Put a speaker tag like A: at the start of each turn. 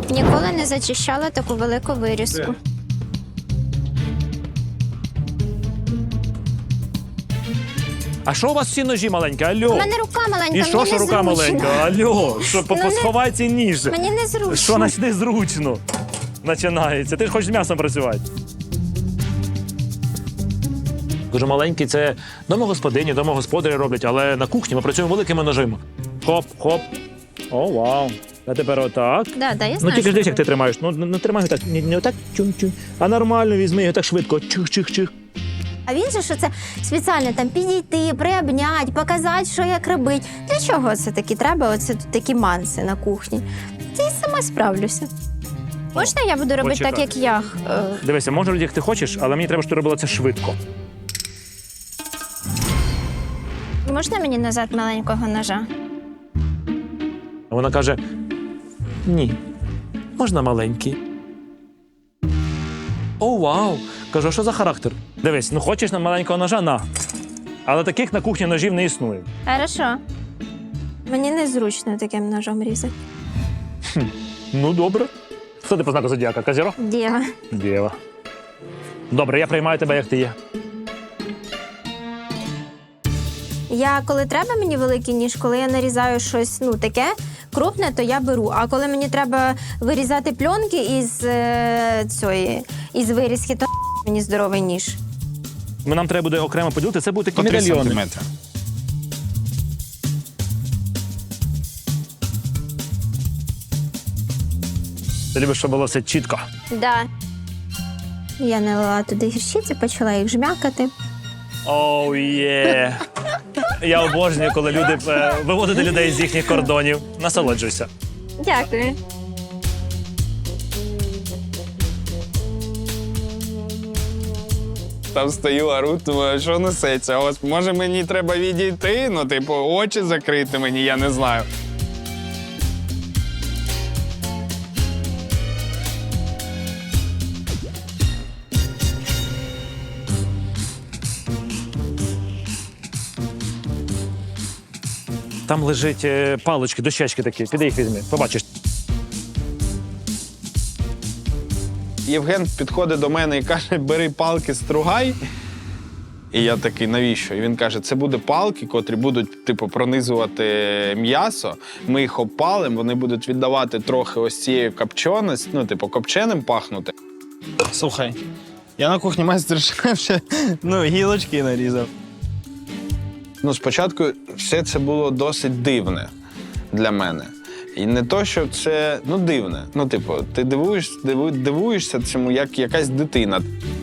A: Ніколи не зачищала таку велику вирізку.
B: А що у вас всі ножі маленькі? Алло.
A: У мене рука маленька,
B: І
A: мені
B: що рука
A: незручно.
B: маленька? Алло, що
A: Ну,
B: посховай цей ніж.
A: Мені незручно.
B: Що значить незручно? Починається. Ти ж хочеш з м'ясом працювати. Дуже маленький, це домогосподині, домогосподарі роблять, але на кухні ми працюємо великими ножима. Хоп, хоп. О, вау. А тепер отак.
A: Да, я
B: Ну
A: знаю,
B: тільки ж
A: що
B: дивись, як ти
A: робити.
B: тримаєш. Ну не тримай його так, не отак чум-чум, а нормально візьми його так швидко. Чих-чих-чих.
A: А він же, що це спеціально там підійти, приобняти, показати, що як робити. Для чого це такі треба? Оце тут такі манси на кухні. Я й сама справлюся. Можна я буду робити
B: почекай.
A: так, як я?
B: Дивися, можна робити, як ти хочеш, але мені треба, щоб ти робила це швидко.
A: Можна мені назад маленького ножа?
B: А вона каже: ні, можна маленький. О, вау! Кажу, а що за характер? Дивись, ну хочеш на маленького ножа? На. Але таких на кухні ножів не існує.
A: Хорошо. Мені незручно таким ножом різати.
B: Ну, добре. Хто ти по знаку зодіака? Козірог?
A: Дєва.
B: Дєва. Добре, я приймаю тебе, як ти є.
A: Я, коли треба мені великий ніж, коли я нарізаю щось, ну, таке крупне, то я беру. А коли мені треба вирізати пленки із вирізки, то мені здоровий ніж.
B: Нам треба буде окремо поділити, це будуть такі
C: По 3
B: медальйони.
C: сантиметри.
B: Ти любиш, щоб було все чітко.
A: Да. Я налила туди гірчиці, почала їх жмякати.
B: Оу, є. Я обожнюю, коли люди виводять людей з їхніх кордонів. Насолоджуйся.
A: Дякую.
C: Там стою, ору, думаю, що несеться. Ось, може мені треба відійти, ну, типу, очі закрити мені, я не знаю.
B: Там лежать палички, дощечки такі. Піди їх візьми, побачиш.
C: Євген підходить до мене і каже, бери палки, стругай. І я такий, навіщо? І він каже, це буде палки, котрі будуть, типу, пронизувати м'ясо. Ми їх опалимо, вони будуть віддавати трохи ось цією копченості, ну, типу, копченим пахнути.
D: Слухай, я на кухні майстер-шеф ще гілочки нарізав.
C: Ну, спочатку все це було досить дивне для мене. І не то, що це, дивне. Ну, типу, ти дивуєшся цьому, як якась дитина.